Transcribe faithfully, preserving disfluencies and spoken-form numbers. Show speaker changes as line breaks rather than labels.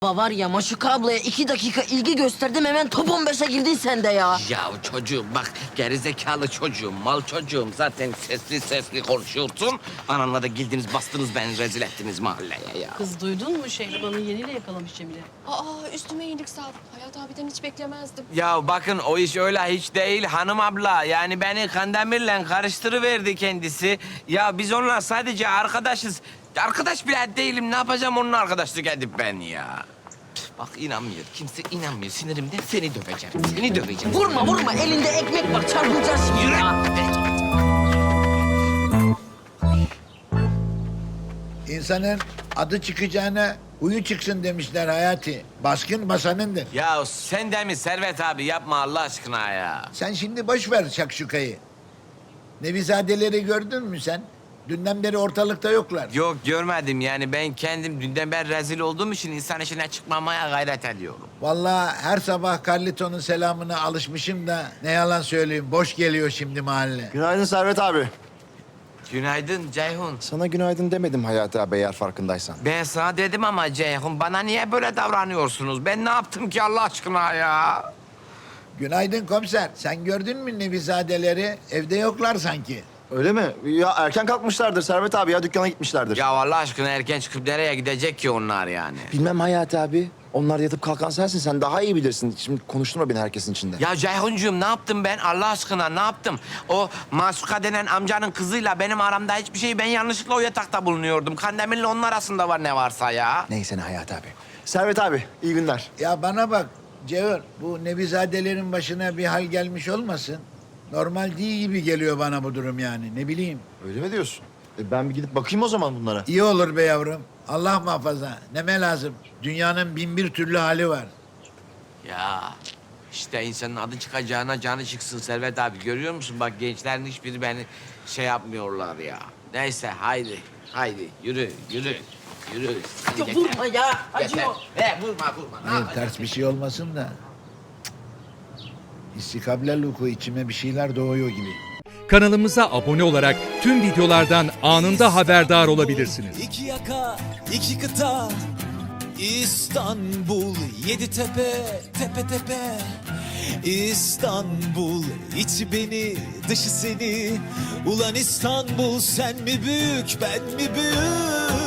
Baba var ya Maşuka ablaya iki dakika ilgi gösterdim hemen top on beşe girdin sen de ya.
Ya çocuğum bak gerizekalı çocuğum, mal çocuğum. Zaten sesli sesli konuşuyorsun. Ananla da girdiniz bastınız beni rezil ettiniz mahalleye ya.
Kız duydun mu Şehriban'ın yeniyle yakalamış Cemile.
Aa üstüme iyilik sağlık. Hayat abiden hiç beklemezdim.
Ya bakın o iş öyle hiç değil hanım abla. Yani beni Kandemir'le karıştırıverdi kendisi. Ya biz onunla sadece arkadaşız. Arkadaş bile değilim. Ne yapacağım onunla arkadaşlık edip ben ya? Bak inanmıyor. Kimse inanmıyor. Sinirimden seni döveceğim. Seni döveceğim.
Vurma vurma elinde ekmek var çarpılacağız şimdi
Yürü.
ya.
İnsanın adı çıkacağına huyu çıksın demişler Hayati. Baskın basanındır.
Ya sen de mi Servet abi yapma Allah aşkına ya.
Sen şimdi boş ver şakşukayı. Nevizadeleri gördün mü sen? Dünden beri ortalıkta yoklar.
Yok görmedim yani ben kendim dünden beri rezil olduğum için insan işine çıkmamaya gayret ediyorum.
Vallahi her sabah Carlito'nun selamına alışmışım da ne yalan söyleyeyim boş geliyor şimdi mahalle.
Günaydın Servet abi.
Günaydın Ceyhun.
Sana günaydın demedim Hayati abi eğer farkındaysan.
Ben sana dedim ama Ceyhun bana niye böyle davranıyorsunuz? Ben ne yaptım ki Allah aşkına ya?
Günaydın komiser. Sen gördün mü Nevizadeleri? Evde yoklar sanki.
Öyle mi? Ya erken kalkmışlardır Servet abi ya dükkana gitmişlerdir.
Ya Allah aşkına erken çıkıp nereye gidecek ki onlar yani?
Bilmem Hayati abi. Onlar yatıp kalkan sensin. Sen daha iyi bilirsin. Şimdi konuşturma beni herkesin içinde.
Ya Ceyhuncuğum ne yaptım ben Allah aşkına ne yaptım? O Masuka denen amcanın kızıyla benim aramda hiçbir şey ben yanlışlıkla o yatakta bulunuyordum. Kandemir'le onun arasında var ne varsa ya.
Neyse ne Hayati abi. Servet abi iyi günler.
Ya bana bak Cevher, bu Nevizadelerin başına bir hal gelmiş olmasın? Normal değil gibi geliyor bana bu durum yani, ne bileyim.
Öyle mi diyorsun? E ben bir gidip bakayım o zaman bunlara.
İyi olur be yavrum. Allah muhafaza. Neme lazım? Dünyanın bin bir türlü hali var.
Ya işte insanın adı çıkacağına canı çıksın Servet abi. Görüyor musun bak gençlerin hiçbiri beni şey yapmıyorlar ya. Neyse haydi haydi yürü yürü yürü. Hadi
Ya
yeter.
vurma ya acıyor.
Yeter. He vurma vurma. Ne
Hayır,
yapacaksın?
ters bir şey olmasın da. İstikable luku içime bir şeyler doğuyor gibi.
Kanalımıza abone olarak tüm videolardan anında haberdar olabilirsiniz.
İki yaka, iki kıta, İstanbul, yedi tepe, tepe tepe. İstanbul, içi beni, dışı seni. Ulan İstanbul, sen mi büyük, ben mi büyük?